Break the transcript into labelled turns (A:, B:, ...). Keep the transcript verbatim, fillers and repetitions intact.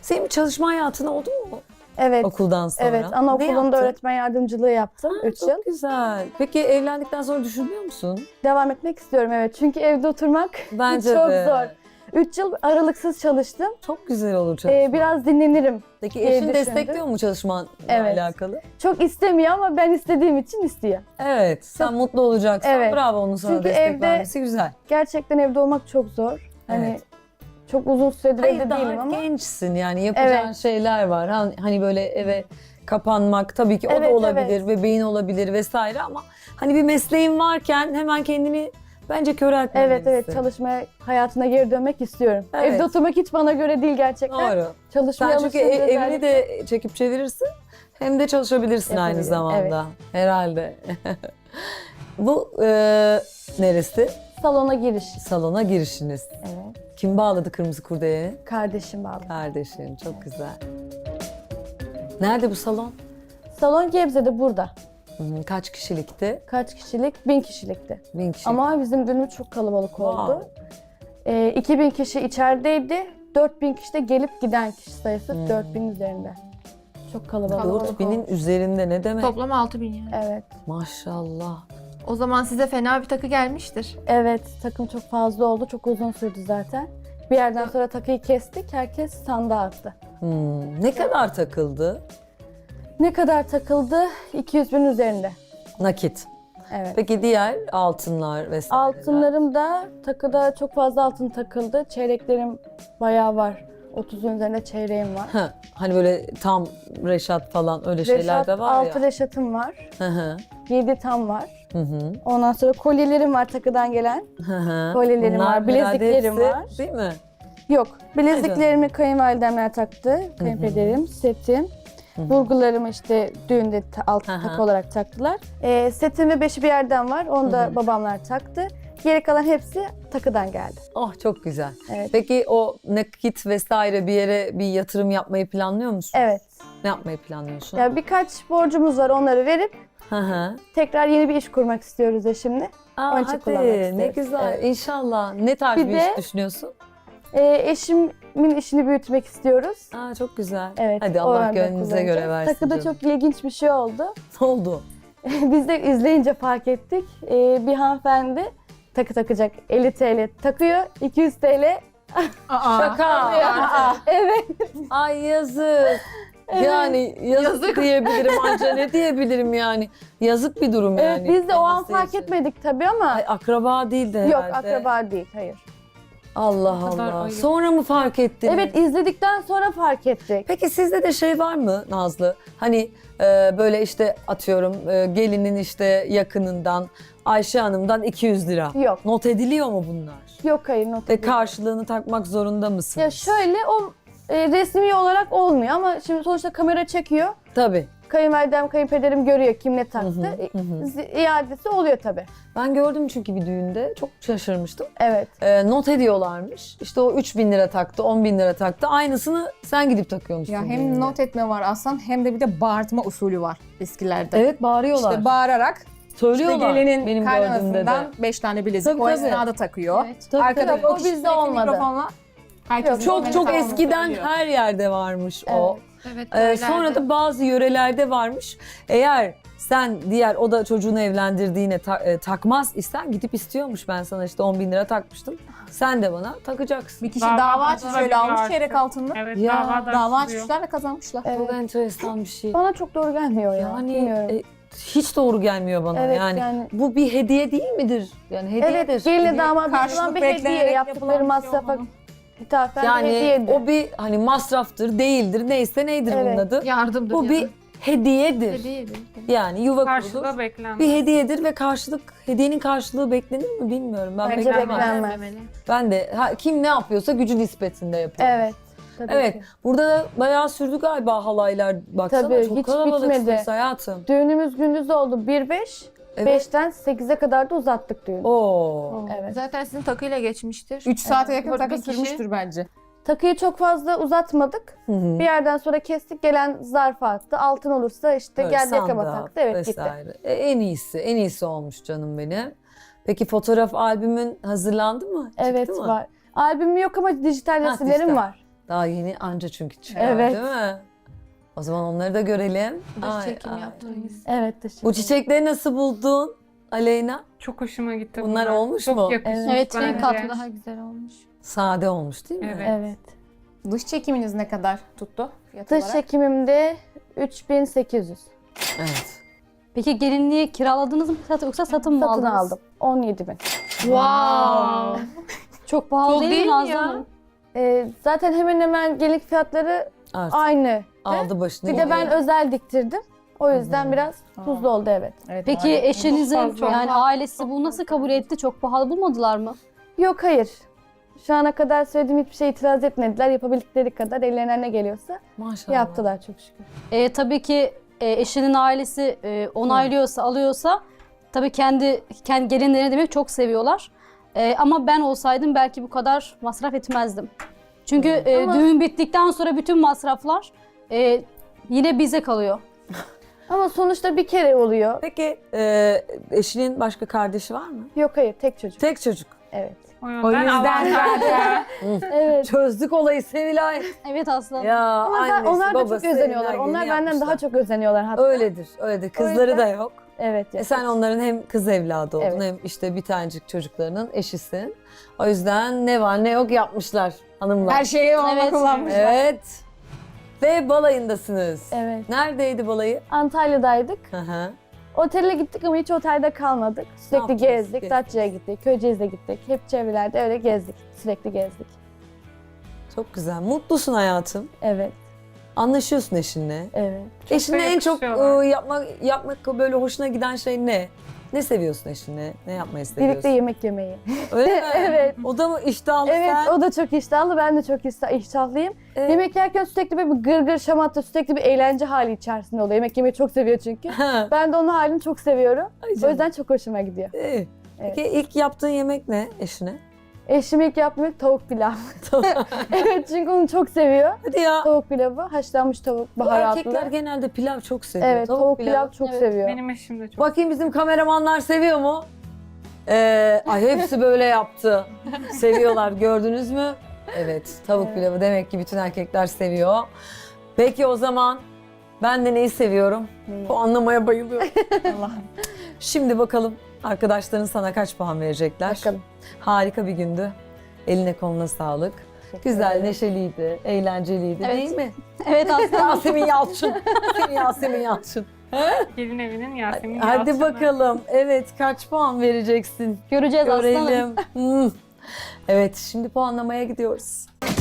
A: Senin bir çalışma hayatın oldu mu
B: Evet.
A: okuldan sonra?
B: Evet,
A: Ne
B: anaokulunda
A: yaptın?
B: öğretmen yardımcılığı yaptım
A: Ha,
B: üç
A: çok
B: yıl.
A: güzel. Peki evlendikten sonra düşünüyor musun?
B: Devam etmek istiyorum evet. Çünkü evde oturmak
A: Bence
B: çok
A: de.
B: zor. üç yıl aralıksız çalıştım.
A: Çok güzel olur çalışma.
B: Ee, biraz dinlenirim.
A: Peki
B: diye
A: eşin
B: düşündüm.
A: destekliyor mu çalışmanla
B: Evet.
A: alakalı?
B: Çok istemiyor ama ben istediğim için istiyor.
A: Evet. Sen
B: Çok-
A: mutlu olacaksan
B: Evet.
A: bravo, onun sana
B: Çünkü
A: destek
B: evde-
A: vermesi güzel.
B: Gerçekten evde olmak çok zor. Hani
A: Evet.
B: çok uzun süredir
A: Hayır,
B: evde
A: daha
B: değilim ama.
A: gençsin yani yapacağın
B: Evet.
A: şeyler var. Han- Hani böyle eve kapanmak tabii ki o
B: Evet,
A: da olabilir,
B: evet.
A: bebeğin olabilir vesaire ama hani bir mesleğin varken hemen kendini bence köreltmemelisin.
B: Evet evet, çalışmaya hayatına geri dönmek istiyorum.
A: Evet.
B: Evde oturmak hiç bana göre değil gerçekten.
A: Doğru.
B: Çalışmaya
A: Sen çünkü
B: alışınca
A: e- evini
B: özellikle-
A: de çekip çevirirsin hem de çalışabilirsin aynı
B: Yapabilirim,
A: zamanda. Herhalde. Bu e, neresi?
B: Salona giriş.
A: Salona girişiniz.
B: Evet.
A: Kim bağladı kırmızı kurdeleyi?
B: Kardeşim bağlı.
A: Kardeşin. Çok güzel. Nerede bu salon?
B: Salon Gebze'de burada.
A: Hı hı. Kaç kişilikti?
B: Kaç kişilik? Bin kişilikti.
A: Bin kişi.
B: Ama bizim düğünümüz çok kalabalık oldu.
A: Wow.
B: Ee, iki bin kişi içerideydi. dört bin kişi de gelip giden kişi sayısı
A: Hmm.
B: dört bin üzerinde. Çok kalabalık.
C: Kalabalık.
A: dört binin üzerinde ne demek?
C: Toplam altı bin yani.
B: Evet.
A: Maşallah.
C: O zaman size fena bir takı gelmiştir.
B: Evet, takım çok fazla oldu. Çok uzun sürdü zaten. Bir yerden sonra takıyı kestik. Herkes sandığa attı.
A: Hmm. Ne kadar takıldı?
B: Ne kadar takıldı? iki yüz bin üzerinde.
A: Nakit.
B: Evet.
A: Peki diğer altınlar vesaire.
B: Altınlarım da takıda çok fazla altın takıldı. Çeyreklerim bayağı var. otuzun üzerinde çeyreğim var.
A: Ha, hani böyle tam reşat falan öyle şeyler
B: Reşat,
A: de var
B: altı
A: ya.
B: reşatım var.
A: Hı hı.
B: yedi tam var.
A: Hı hı.
B: Ondan sonra kolyelerim var takıdan gelen.
A: Hı hı.
B: Kolyelerim
A: Bunlar
B: var, bileziklerim
A: herhalde
B: var.
A: hepsi, değil mi?
B: Yok, bileziklerimi kayınvalidemler taktı. Kayınpederim, setim. Vurgularımı işte düğünde ta- altın
A: Hı hı.
B: takı olarak taktılar. Ee, setim ve beşi bir yerden var. Onu da
A: Hı hı.
B: babamlar taktı. Geri kalan hepsi takıdan geldi.
A: Oh çok güzel.
B: Evet.
A: Peki o nakit vesaire bir yere bir yatırım yapmayı planlıyor musun?
B: Evet.
A: Ne yapmayı planlıyorsun?
B: Ya birkaç borcumuz var, onları verip
A: Hı hı.
B: tekrar yeni bir iş kurmak istiyoruz eşimle.
A: Aa,
B: Onun için
A: hadi
B: kullanmak
A: ne
B: isteriz.
A: güzel.
B: Evet.
A: İnşallah. Ne tarz bir,
B: Bir
A: iş
B: de-
A: düşünüyorsun?
B: Ee, eşimin işini büyütmek istiyoruz.
A: Aa, çok güzel.
B: Evet.
A: Hadi
B: o
A: Allah
B: yönde
A: gönlünüze göre
B: kullanacağız.
A: versin
B: Takıda
A: canım.
B: çok ilginç bir şey oldu.
A: Ne oldu?
B: Biz de izleyince fark ettik. Ee, bir hanımefendi takı takacak. elli TL takıyor. iki yüz TL.
C: Aa,
A: Şaka.
B: Aa, evet.
A: Ay yazık. Yani yazık,
C: Yazık.
A: diyebilirim anca ne diyebilirim yani. Yazık bir durum
B: Evet,
A: yani.
B: biz de o an
A: kendisi
B: fark
A: için.
B: etmedik tabii ama
A: Ay akraba değil de herhalde.
B: yok, akraba değil, hayır.
A: Allah
C: O kadar
A: Allah.
C: ayıp.
A: Sonra mı fark ettiniz?
B: Evet, izledikten sonra fark ettik.
A: Peki sizde de şey var mı Nazlı? Hani e, böyle işte atıyorum e, gelinin işte yakınından Ayşe Hanım'dan iki yüz lira.
B: Yok.
A: Not ediliyor mu bunlar?
B: Yok, hayır, not
A: Ve
B: edildi.
A: karşılığını takmak zorunda mısınız?
B: Ya şöyle, o e, resmi olarak olmuyor ama şimdi sonuçta kamera çekiyor.
A: Tabii.
B: Kayınvalidem, kayınpederim görüyor kim ne taktı.
A: Hı hı, hı hı.
B: İ- İadesi oluyor tabii.
A: Ben gördüm çünkü bir düğünde çok şaşırmıştım.
B: Evet.
A: E, not ediyorlarmış. İşte o üç bin lira taktı, on bin lira taktı. Aynısını sen gidip takıyormuşsun.
D: Ya
A: düğünde.
D: hem not etme var aslan hem de bir de bağırtma usulü var eskilerde.
A: Evet bağırıyorlar.
D: İşte bağırarak işte
A: Söylüyorlar
D: gelinin
A: benim gördüğümde de.
D: kaynanasından beş tane bilezik
A: Tabii,
D: o
A: tabii.
D: esnada takıyor.
C: Evet.
A: Tabii,
D: Arkada
A: tabii.
B: O
D: kişi
B: bizde
D: sürekli
B: olmadı.
D: mikrofonla herkes
B: Yok,
A: Çok
D: birbirine
A: çok
D: takmasını
A: eskiden
D: söylüyor.
A: her yerde varmış o.
C: Evet,
A: Ee,
C: öyleydi.
A: sonra da bazı yörelerde varmış. Eğer sen diğer o da çocuğunu evlendirdiğine ta- e, takmaz isten gidip istiyormuş. Ben sana işte on bin lira takmıştım. Sen de bana takacaksın.
D: Bir kişi
E: Dava
D: dava açmış
E: açılabiliyor
D: şöyle almış
E: artık.
D: çeyrek altınını.
E: Evet,
A: Ya,
E: dava da
D: Dava
E: açılıyor.
D: açmışlar ve kazanmışlar.
B: Evet.
A: Çok enteresan bir şey.
B: Bana çok doğru gelmiyor ya.
A: Yani
B: Bilmiyorum.
A: e, hiç doğru gelmiyor bana
B: Evet,
A: yani.
B: yani-
A: Bu bir hediye değil midir? Yani hediyedir.
B: Evet, gelinle
A: Hediye-
B: damat
D: Karşılık
B: yapılan bir hediye.
D: beklenerek
B: Yaptıkları
D: yapılan bir şey
B: masrafa
D: olmalı.
B: ithafen bir
A: Yani
B: hediyedir.
A: o bir hani masraftır, değildir, neyse neydir bunun
B: Evet.
A: adı.
C: Yardımdır
A: Bu
C: ya.
A: bir hediyedir.
C: Hediyedir.
A: Yani yuva kurulur.
E: Karşılığı beklenmez.
A: Bir hediyedir ve karşılık, hediyenin karşılığı beklenir mi bilmiyorum. Ben
B: Bence
A: beklemem.
B: beklenmez.
C: Beklenmemeli.
A: Ben de ha, kim ne yapıyorsa gücü nispetinde yapıyor.
B: Evet. Tabii
A: Evet.
B: ki.
A: Burada da bayağı sürdü galiba halaylar. Baksana
B: Tabii,
A: çok
B: hiç
A: kalabalıksınız
B: bitmedi.
A: hayatım.
B: Düğünümüz gündüz oldu bir beş.
A: Evet.
B: beşten sekize kadar da uzattık düğünü.
A: Oo.
B: Evet.
C: Zaten sizin takıyla geçmiştir.
D: üç saate yakın
C: Dört
D: takı
C: bin kişi.
D: sürmüştür bence.
B: Takıyı çok fazla uzatmadık.
A: Hı hı.
B: Bir yerden sonra kestik, gelen zarfa attı. Altın olursa işte
A: Böyle
B: geldi yakama
A: sandığa
B: taktı. Evet, gitti.
A: vesaire. E, en iyisi, en iyisi olmuş canım benim. Peki fotoğraf albümün hazırlandı mı? Çıktı
B: Evet,
A: mı?
B: var. Albümüm yok ama dijital
A: Ha,
B: resimlerim
A: dijital.
B: var.
A: Daha yeni anca çünkü çıkıyor
B: Evet.
A: değil mi? O zaman onları da görelim.
C: Dış
A: Ay,
C: çekim
A: ay.
C: yaptığımız.
B: Evet teşekkür
A: Bu çiçekleri nasıl buldun Aleyna?
E: Çok hoşuma gitti
A: Bunlar olmuş mu?
E: Çok yakışmış
B: Evet,
C: Evet, renk
E: bence.
C: katı daha güzel olmuş.
A: Sade olmuş değil mi?
E: Evet.
B: Evet.
D: Dış çekiminiz ne kadar tuttu fiyat
B: Dış
D: olarak?
B: çekimimde üç bin sekiz yüz.
A: Evet.
F: Peki gelinliği kiraladınız mı yoksa satın mı
B: Satın
F: aldınız?
B: aldım. on yedi bin.
C: Wow.
F: Çok pahalı
C: Çok
F: değil,
C: değil
F: mi
C: mi
F: Nazlı
C: ya?
F: Hanım?
B: Ee, zaten hemen hemen gelinlik fiyatları
A: Artık
B: aynı.
A: aldı başını
B: Bir de ben
A: gidiyor.
B: özel diktirdim. O yüzden biraz tuzlu oldu evet.
D: Evet,
F: Peki
D: maalesef.
F: eşinizin
E: Çok fazla.
F: yani ailesi bu nasıl kabul etti? Çok pahalı bulmadılar mı?
B: Yok hayır. Şu ana kadar söylediğim hiçbir şey itiraz etmediler. Yapabildikleri kadar ellerine ne geliyorsa
A: Maşallah.
B: yaptılar çok şükür.
F: E, tabii ki e, eşinin ailesi e, onaylıyorsa, alıyorsa tabii kendi kendi gelinlerini demek çok seviyorlar. E, ama ben olsaydım belki bu kadar masraf etmezdim. Çünkü e,
B: Ama-
F: düğün bittikten sonra bütün masraflar e, yine bize kalıyor.
B: Ama sonuçta bir kere oluyor.
A: Peki e, eşinin başka kardeşi var mı?
B: Yok hayır tek çocuk.
A: Tek çocuk.
B: Evet.
E: O yüzden,
A: O yüzden
E: avantajlı.
B: Evet.
A: Çözdük olayı Sevilay.
F: Evet Aslı.
A: Ya
B: Ama zaten
A: annesi,
B: onlar da çok
A: babası
B: özeniyorlar.
A: elinden
B: Onlar
A: geleni
B: benden
A: yapmışlar.
B: daha çok özeniyorlar hatta.
A: Öyledir, öyledir. Kızları
B: yüzden-
A: da yok.
B: Evet.
A: E sen onların hem kız evladı oldun
B: Evet.
A: hem işte bir tanecik çocuklarının eşisin. O yüzden ne var ne yok yapmışlar hanımlar.
D: Her şeyi ona
F: Evet.
D: kullanmışlar.
A: Evet. Ve balayındasınız.
B: Evet.
A: Neredeydi balayı?
B: Antalya'daydık.
A: Hı hı.
B: Otele gittik ama hiç otelde kalmadık. Sürekli
A: yaptınız?
B: gezdik.
A: Gezdiniz.
B: Datça'ya gittik, Köyceğiz'e gittik. Hep çevrelerde öyle gezdik. Sürekli gezdik.
A: Çok güzel. Mutlusun hayatım.
B: Evet,
A: Anlaşıyorsun eşinle.
B: evet.
A: Eşinle en çok
E: yakışıyorlar.
A: e, yapmak yapmak böyle hoşuna giden şey ne? Ne seviyorsun eşinle? Ne yapmayı seviyorsun?
B: Birlikte yemek yemeyi.
A: Öyle mi?
B: Evet.
A: O da mı iştahlı
B: Evet,
A: sen?
B: o da çok iştahlı. Ben de çok iştah- iştahlıyım.
A: Evet.
B: Yemek yerken sürekli böyle bir gırgır şamata, sürekli bir eğlence hali içerisinde oluyor. Yemek yemeyi çok seviyor çünkü.
A: Ha.
B: Ben de onun halini çok seviyorum.
A: Ay
B: O
A: canım.
B: yüzden çok hoşuma gidiyor.
A: İyi.
B: Evet.
A: Peki ilk yaptığın yemek ne eşine?
B: Eşim ilk yapmıyor tavuk pilav. Evet çünkü onu çok seviyor.
A: Hadi ya.
B: Tavuk pilavı, haşlanmış tavuk,
A: Bu
B: baharatlı.
A: erkekler genelde pilav çok seviyor.
B: Evet, tavuk, pilav, çok
F: Evet.
B: seviyor.
E: Benim eşim de çok.
A: Bakayım bizim kameramanlar seviyor mu? Ee, ay hepsi böyle yaptı. Seviyorlar gördünüz mü? Evet tavuk
B: Evet.
A: pilavı demek ki bütün erkekler seviyor. Peki o zaman ben de neyi seviyorum?
B: Neyi?
A: Bu anlamaya bayılıyorum.
D: Allah'ım.
A: Şimdi bakalım arkadaşların sana kaç puan verecekler?
B: Bakalım.
A: Harika bir gündü. Eline koluna sağlık.
B: Teşekkür
A: Güzel,
B: ederim.
A: neşeliydi, eğlenceliydi
F: Evet.
A: değil mi?
F: Evet Aslı Hanım.
A: Yasemin Yalçın. Senin Yasemin Yalçın.
E: Gelin evinin Yasemin
A: Hadi
E: Yalçın'ı.
A: bakalım. Evet kaç puan vereceksin?
F: Göreceğiz Aslı Hanım.
A: Görelim. Hmm. Evet şimdi puanlamaya gidiyoruz.